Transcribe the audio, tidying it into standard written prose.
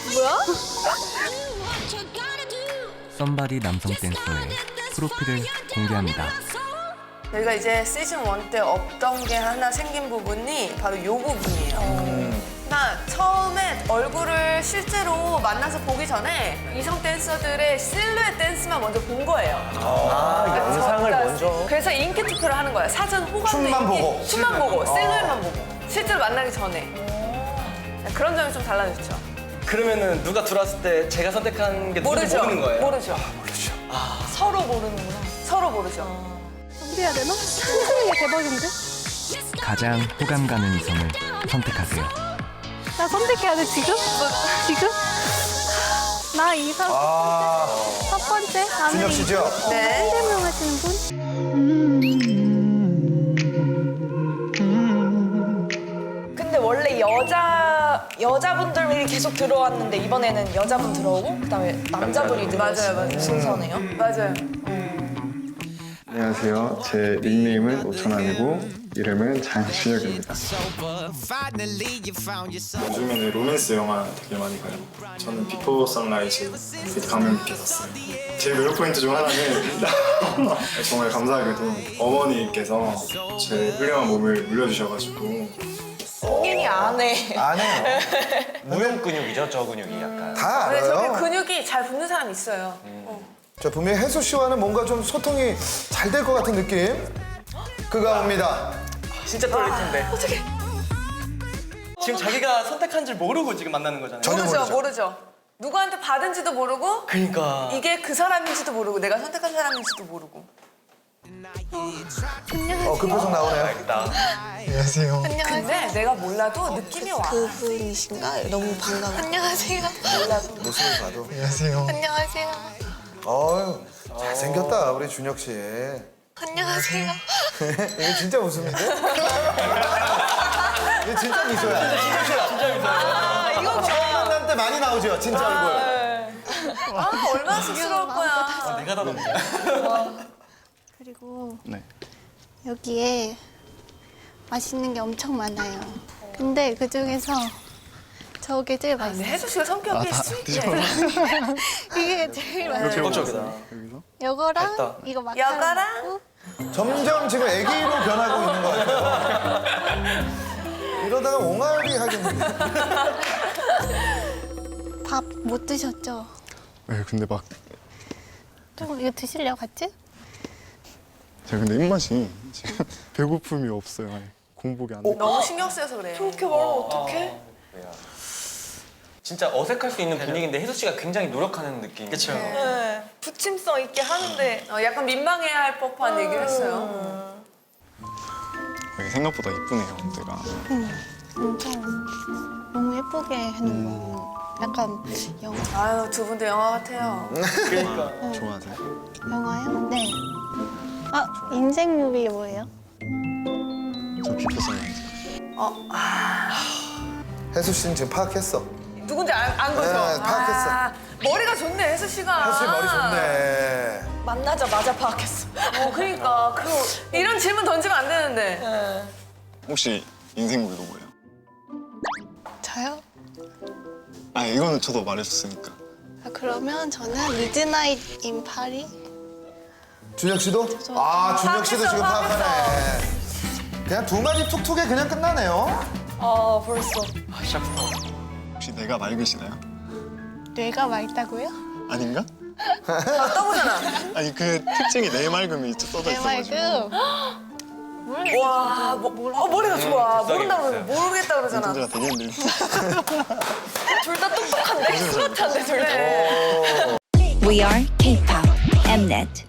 뭐야? 썸바디 남성 댄서의 프로필을 공개합니다. 저희가 이제 시즌 1 때 없던 게 하나 생긴 부분이 바로 요 부분이에요. 나 처음에 얼굴을 실제로 만나서 보기 전에 이성 댄서들의 실루엣 댄스만 먼저 본 거예요. 영상을 먼저. 그래서 인기 투표를 하는 거예요. 사전 호감도 춤만 인기, 보고. 춤만 보고, 실루엣만 보고. 실제로 만나기 전에. 그런 점이 좀 달라졌죠. 그러면은 누가 들어왔을 때 제가 선택한 게 누군지 모르죠. 모르는 거예요? 모르죠. 서로 모르는구나. 서로 모르죠. 준비해야 되나? 선생님 대박인데? 가장 호감 가는 이성을 선택하세요. 나 선택해야 돼 지금? 지금? 나 이상 첫 번째? 나는 준혁 씨죠? 네. 설명 하시는 분? 근데 원래 여자분들이 계속 들어왔는데 이번에는 여자분 들어오고 그다음에 남자분이 들어오는 순서네요. 맞아요. 안녕하세요. 제 닉네임은 오천환이고 이름은 장준혁입니다. 요즘에는 로맨스 영화 되게 많이 봐요. 저는 비포 선라이즈 감명 깊게 봤어요. 제 노력 포인트 중 하나는 정말 감사하게도 어머니께서 제 훌륭한 몸을 물려주셔가지고 성인이 안 해. 안 해요. 무용 근육이죠, 저 근육이 약간. 다 근데 저게 알아요. 근육이 잘 붙는 사람 있어요. 저 분명히 혜수 씨와는 뭔가 좀 소통이 잘 될 것 같은 느낌. 그가 옵니다. 진짜 떨릴 텐데. 어떡해. 지금 자기가 선택한 줄 모르고 지금 만나는 거잖아요. 전혀 모르죠. 모르죠. 누구한테 받은지도 모르고 그러니까. 이게 그 사람인지도 모르고 내가 선택한 사람인지도 모르고. 그 표정 나오네요. 알겠다. 안녕하세요. 근데 내가 몰라도 느낌이 와. 그분이신가? 너무 반가워. 안녕하세요. 모습을 봐도. 안녕하세요. 안녕하세요. 어휴, 잘생겼다 우리 준혁 씨. 안녕하세요. 이게 진짜 웃음인데? 이게 진짜 미소야. 이거 처음 만날 때 많이 나오죠, 진짜 얼굴. 얼마나 쑥스러울 거야. 내가 다 넘겨. 그리고 네. 여기에 맛있는 게 엄청 많아요. 근데 그 중에서 저게 제일 근데 맛있어요. 혜수 씨가 성격이 스윗해. 이게 제일 맛있어요. 적극적이다. 여기서? 요거랑 됐다. 이거 막 여거랑? 점점 지금 애기로 변하고 있는 것 같아요. 이러다가 옹알이 하겠는데. 밥 못 드셨죠? 네, 근데 막 좀 이거 드실래요, 같이? 제가 근데 입맛이 지금 배고픔이 없어요. 아예 공복이 안 돼. 너무 신경 쓰여서 그래요. 그렇게 말하면 어떡해? 진짜 어색할 수 있는 분위기인데 혜수 씨가 굉장히 노력하는 느낌. 그렇죠. 네. 부침성 있게 하는데 약간 민망해야 할 법한 얘기를 했어요. 여기 생각보다 이쁘네요, 내가. 엄청 너무 예쁘게 해놓은 거. 약간 영화. 아유, 두 분도 영화 같아요. 그러니까. 좋아하세요? 영화요? 네. 아, 인생 무비 뭐예요? 저 비포 선라이즈. 혜수 씨는 지금 파악했어. 누군지 안 거죠? 네, 파악했어. 머리가 좋네, 혜수 씨가. 혜수 씨 머리 좋네. 만나자마자 파악했어. 그러니까. 이런 질문 던지면 안 되는데. 혹시 인생 무비가 뭐예요? 저요? 아, 이거는 저도 말해줬으니까. 아, 그러면 저는 미드나잇 인 파리? 준혁 씨도? 아, 준혁 씨도 지금 파악하네. 그냥 두 마디 툭툭에 그냥 끝나네요. 아 벌써. 시작부터. 혹시 내가 맑으시나요? 뇌가 맑다고요? 아닌가? 떠보잖아. 아니, 그 특징이 내 맑음이 써져 뇌 있어가지고. 맑음? 와, 머리가 좋아. 모른다 그러면 모르겠다 그러잖아. 문제가 되겠는데. 둘 다 똑똑한데 스마트한데 둘 다. We are K-pop Mnet.